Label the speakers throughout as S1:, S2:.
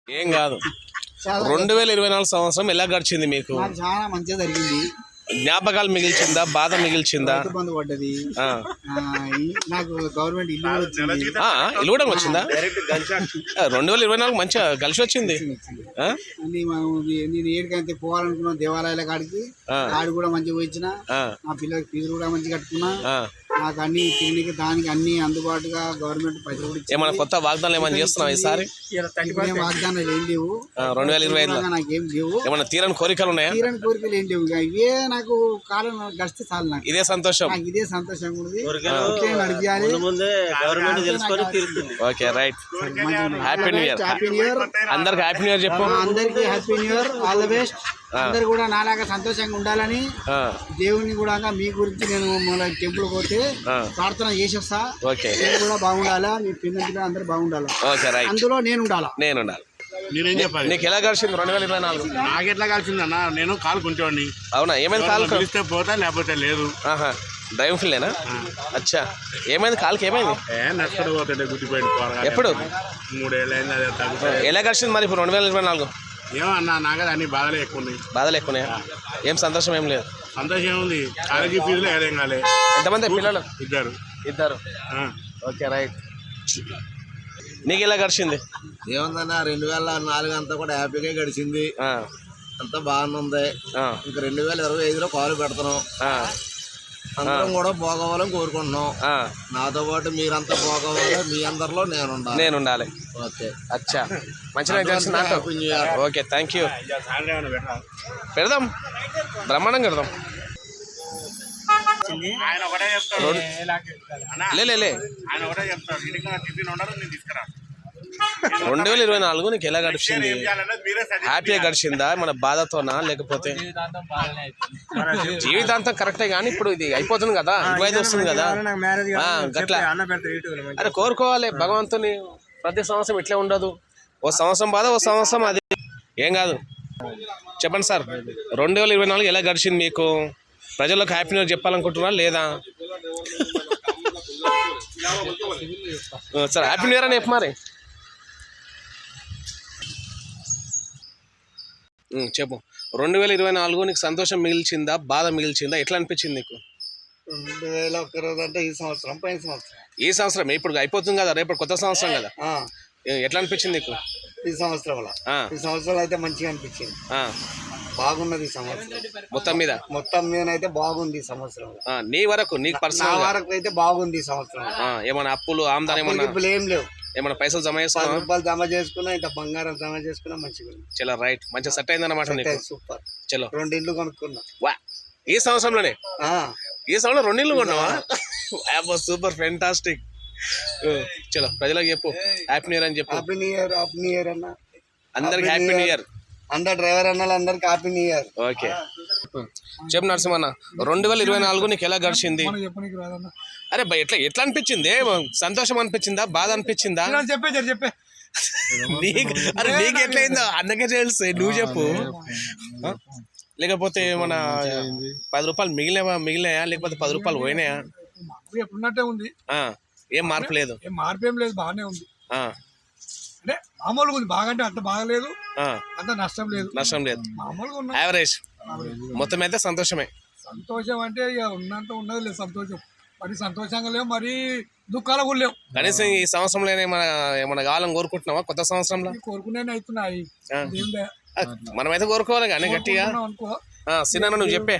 S1: ఏం కాదు. 2024 సంవత్సరం ఎలా గడిచింది మీకు?
S2: నాకు చాలా మంచిగా జరిగింది.
S1: జ్ఞాపకాలు మిగిల్చిందా, బాధ మిగిల్చిందా?
S2: రైతు బంధు పడ్డది. నాకు గవర్నమెంట్ ఇల్లు కూడా వచ్చింది.
S1: ఇల్లు కూడా వచ్చిందా? 2024 మంచిగా కలిసి వచ్చింది.
S2: నేను ఏడికైతే పోవాలనుకున్నా దేవాలయాల కాడికి కాడి కూడా మంచిగా పోయించిన. నా పిల్లలకి ఫీజులు కూడా మంచిగా కట్టుకున్నా. నాకు అన్ని తినడానికి దానికి అన్ని అందుబాటుగా గవర్నమెంట్ పైసలు కూడా ఇచ్చింది.
S1: ఏమైనా కొత్త వాగ్దానాలు ఏమైనా చేస్తున్నావు ఈసారి?
S2: వాగ్దానాలు ఏం లేవు.
S1: 2025
S2: నాకేం లేవు.
S1: ఏమైనా తీరని కోరికలు ఉన్నాయా?
S2: తీరని కోరికలు ఏం లేవు. ఇవే నాకు కాలం గడిస్తే చాలు. నాకు
S1: ఇదే సంతోషం.
S2: నాకు ఇదే సంతోషంగా ఉంది. నడిపియాలి.
S1: Okay right. Happy new year.
S2: Happy new year
S1: అందరికి. హ్యాపీ న్యూ ఇయర్ చెప్పు.
S2: అందరికి happy new year. All the best. అందరు కూడా నాలాగా సంతోషంగా ఉండాలని దేవుని కూడా మీ గురించి నేను మన టెంపుల్ పోతే ప్రార్థన చేసేస్తా. నేను కూడా బాగుండాలా, మీ పిల్లలు అందరు బాగుండాలా, అందులో నేను ఉండాలా.
S3: నేనేం చెప్పాలి?
S1: నీకు ఎలా కలిసింది 2024?
S3: నాకు ఎట్లా కలిసింది అన్న, నేను కాలు కొంచెండి.
S1: అవునా? ఏమైంది కాలు?
S3: కలిస్తే పోతా, లేకపోతే లేదు.
S1: డ్రైవింగ్ ఫీల్డేనా? అచ్చా, ఏమైంది కాలుకి? ఏమైంది?
S3: నష్టపడి పోతుంటే గుర్తిపోయింది.
S1: ఎప్పుడు?
S3: 3 ఏళ్ళు అయింది. అదే తగ్గుతుంది.
S1: ఎలా కలిసింది మరి ఇప్పుడు 2024?
S3: ఏమో అన్న, నాకు అన్ని బాధలే ఎక్కువ ఉన్నాయి.
S1: బాధలు ఎక్కువనే? ఏం సంతోషం ఏం లేదు?
S3: సంతోషం ఏముంది, కాలేజీ ఫీజులో ఏదేం కాలే.
S1: ఎంతమంది పిల్లలు? ఇద్దరు. Okay right. నీకు ఎలా గడిచింది?
S4: ఏముందన్న, 2004 అంతా కూడా హ్యాపీగా గడిచింది. అంతా బాగుంది. ఇంకా 2025లో కాలు పెడుతున్నాం. అందరం కూడా బాగోవాలని కోరుకుంటున్నాం. నాతో పాటు మీరంతా బాగోవాలి. మీ అందరిలో నేను ఉండాలి. ఓకే.
S1: అచ్చా, మంచిగా తెలిసింది నాతో. Okay, thank you. పెడదాం, బ్రహ్మాండంగా పెడదాం.
S3: ఆయన ఒకటే చెప్తాడు.
S1: లే
S3: ఆయన ఒకటే చెప్తాడు, టిఫిన్ ఉండదు, నేను తీసుకురా.
S1: 2024 నీకు ఎలా గడిచింది? హ్యాపీగా గడిచిందా, మన బాధతోనా, లేకపోతే? జీవితాంతం కరెక్టే, కానీ ఇప్పుడు ఇది అయిపోతుంది కదా, 25 వస్తుంది కదా, గట్లా. అరే కోరుకోవాలి భగవంతుని. ప్రతి సంవత్సరం ఇట్లే ఉండదు. ఓ సంవత్సరం బాధ, ఓ సంవత్సరం అది. ఏం కాదు. చెప్పండి సార్, 2024 ఎలా గడిచింది మీకు? ప్రజలకు హ్యాపీ న్యూ ఇయర్ చెప్పాలనుకుంటున్నారా లేదా? సార్ హ్యాపీ న్యూ ఇయర్ అని చెప్పు మరి. చెప్పు. 2024 నీకు సంతోషం మిగిల్చిందా, బాధ మిగిల్చిందా? ఎట్లా అనిపించింది నీకు?
S2: 2001 అంటే ఈ సంవత్సరం, పైన సంవత్సరం.
S1: ఈ సంవత్సరం ఇప్పుడు అయిపోతుంది కదా, రేపు కొత్త సంవత్సరం కదా. ఎట్లా అనిపించింది నీకు
S2: ఈ సంవత్సరంలో? ఈ సంవత్సరం అయితే మంచిగా అనిపించింది. బాగున్నది ఈ సంవత్సరం. మొత్తం మీద అయితే బాగుంది ఈ సంవత్సరం.
S1: నీ వరకు, నీకు పర్సనల్
S2: వరకు అయితే బాగుంది ఈ సంవత్సరం.
S1: ఏమైనా అప్పులు, ఆమ్దాని
S2: ఏం లేవు.
S1: ఏమైనా పైసలు జమ చేసుకున్నా?
S2: రూపాయలు జమ చేసుకున్నా, ఇంత బంగారం జమ చేసుకున్నా, మంచిగా.
S1: చలో రైట్, మంచిగా సెట్ అయింది అన్నమాట.
S2: సూపర్.
S1: చలో
S2: 2 ఇళ్ళు కొనుక్కున్నా.
S1: వా, ఈ సంవత్సరంలోనే? ఈ సంవత్సరం 2 ఇళ్ళు కొన్నావా? Super, fantastic. చలో ప్రజలకు చెప్పు హ్యాపీ న్యూ ఇయర్ అని చెప్పు.
S2: Happy new year. Happy new year అన్న.
S1: అందరికి హ్యాపీ న్యూ ఇయర్.
S2: అందరు డ్రైవర్ అన్నలు అందరికి హ్యాపీ న్యూ ఇయర్.
S1: ఓకే, చెప్పు నరసింహన్న, 2024 నీకు ఎలా గడిచింది? అరే భయ్, ఎట్లా అనిపించింది? సంతోషం అనిపించిందా, బాధ అనిపించిందా? అరే నీకు ఎట్లయిందో అన్నకే తెలుసు, నువ్వు చెప్పు. లేకపోతే మన 10 రూపాయలు మిగిలినాయా, లేకపోతే 10 రూపాయలు పోయినాయా?
S2: ఎప్పుడున్నట్టే ఉంది.
S1: ఏం మార్పు లేదు?
S2: మార్పు ఏం లేదు, బాగానే ఉంది. అంటే మామూలుగా ఉంది. బాగంటే అంత బాగలేదు, అంత నష్టం లేదు, మామూలుగా ఉంది.
S1: యావరేజ్. మొత్తం అయితే సంతోషమే.
S2: సంతోషం అంటే ఇక ఉన్నంత ఉన్నది లేదు సంతోషం. మరి సంతోషంగా లేవు, మరి దుఃఖాలు కూడా లేవు.
S1: కనీసం ఈ సంవత్సరంలో ఏమన్నా కావాలని కోరుకుంటున్నావా? కొత్త సంవత్సరంలో
S2: కోరుకునే అవుతున్నాయి.
S1: మనమైతే కోరుకోవాలి కానీ గట్టిగా. సినిమా నువ్వు చెప్పే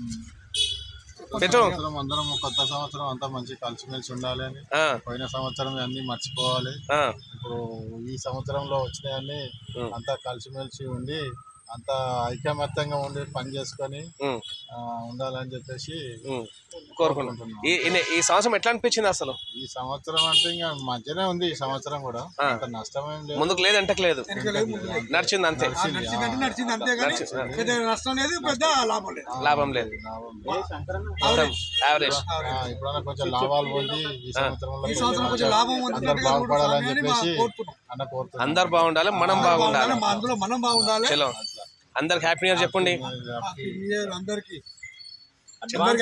S5: అందరం కొత్త సంవత్సరం అంతా మంచి కలిసిమెలిసి ఉండాలి అని. పోయిన సంవత్సరం అన్ని మర్చిపోవాలి. ఇప్పుడు ఈ సంవత్సరంలో వచ్చినాయన్ని అంతా కలిసిమెలిసి ఉండి, అంతా ఐకమత్యంగా ఉండి పని చేసుకొని ఉండాలని చెప్పేసి
S1: కోరుకుంటున్నాం. ఈ సంవత్సరం ఎట్లా అనిపించింది అసలు?
S5: ఈ సంవత్సరం అంటే ఇంకా మంచిగానే ఉంది. ఈ సంవత్సరం కూడా అంత నష్టమేం లేదు.
S1: ముందుకు లేదు అంటే లేదు, నడిచింది అంతే. లాభం లేదు, యావరేజ్.
S5: ఇప్పుడన్నా కొంచెం లాభాలు పొంది ఈ సంవత్సరంలో అందరు బాగుపడాలని చెప్పేసి అన్న కోరుతున్నాం.
S1: అందరు బాగుండాలి, మనం బాగుండాలి. చలో అందరికి హ్యాపీ న్యూ ఇయర్ చెప్పండి.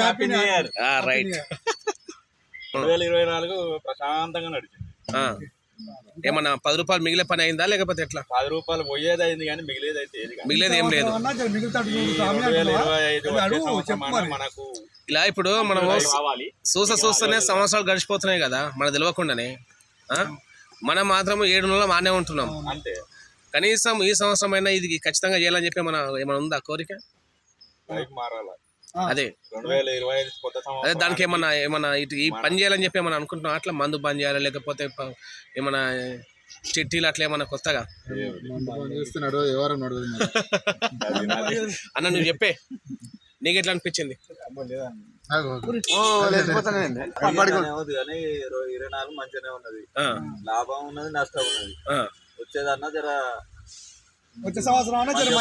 S1: రైట్.
S3: 2024 ప్రశాంతంగా నడిచింది.
S1: ఏమన్నా 10 రూపాయలు మిగిలే పని అయిందా లేకపోతే ఎట్లా?
S6: 10 రూపాయలు పోయేది అయింది కానీ మిగిలేదు అయితే ఏది కాదు.
S1: మిగిలేదు ఏం లేదు.
S6: 2025 మనకు
S1: ఇలా ఇప్పుడు మనం
S6: కావాలి.
S1: చూస్తూనే సంవత్సరాలు గడిచిపోతున్నాయి కదా మనకు తెలియకుండానే. మనం మాత్రం 7 నెలలు మానే ఉంటున్నాం.
S6: అంతే.
S1: కనీసం ఈ సంవత్సరం అయినా ఇది ఖచ్చితంగా చేయాలని చెప్పి ఏమైనా ఉందా కోరిక?
S6: బైక్ మారాలి.
S1: అదే
S6: 2025 కొత్త
S1: అదే
S6: సంవత్సరం.
S1: దానికి ఏమన్నా ఇటు ఈ పని చేయాలని చెప్పి ఏమన్నా అనుకుంటున్నాం? అట్లా మందు బంద్ చేయాలి లేకపోతే ఏమన్నా చిట్టీలు అట్లా ఏమన్నా కొత్తగా
S5: చేస్తున్నాడు ఎవరు నడవదు మరి.
S1: అన్న నువ్వు చెప్పే నీకు ఎట్లా అనిపించింది?
S6: బాగానే ఉంది కానీ 24 మంచిగానే ఉన్నది. లాభం ఉన్నది, నష్టం ఉన్నది. వచ్చేదన్నా జర
S2: వచ్చే సంవత్సరం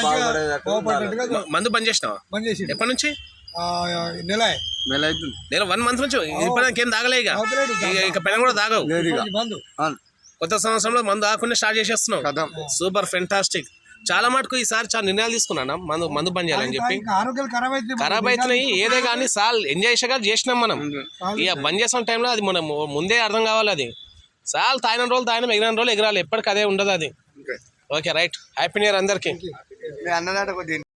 S1: మందు బంద్ చేసినావా? ఎప్పటి నుంచి?
S2: నెల
S1: నేను 1 మంత్ నుంచి ఇప్పటికి ఏం తాగలే. ఇక పెన కూడా తాగవు. కొత్త సంవత్సరంలో మందు ఆకుండా స్టార్ట్ చేసేస్తున్నావు. Super fantastic. చాలా మటుకు ఈసారి చాలా నిర్ణయాలు తీసుకున్నాను మందు బంద్ చేయాలని చెప్పి. ఖరాబ్ అవుతున్నాయి ఏదే కానీ సాల్ ఎంజాయ్ చేసినాం మనం. ఇక బంద్ చేసిన టైంలో అది మనం ముందే అర్థం కావాలి. అది సాల్ తాగిన రోజులు తాగిన ఎగిరిన రోజులు ఎగరాలి. ఎప్పటికీ అదే ఉండదు అది. Okay right. Happy new year అందరికీ.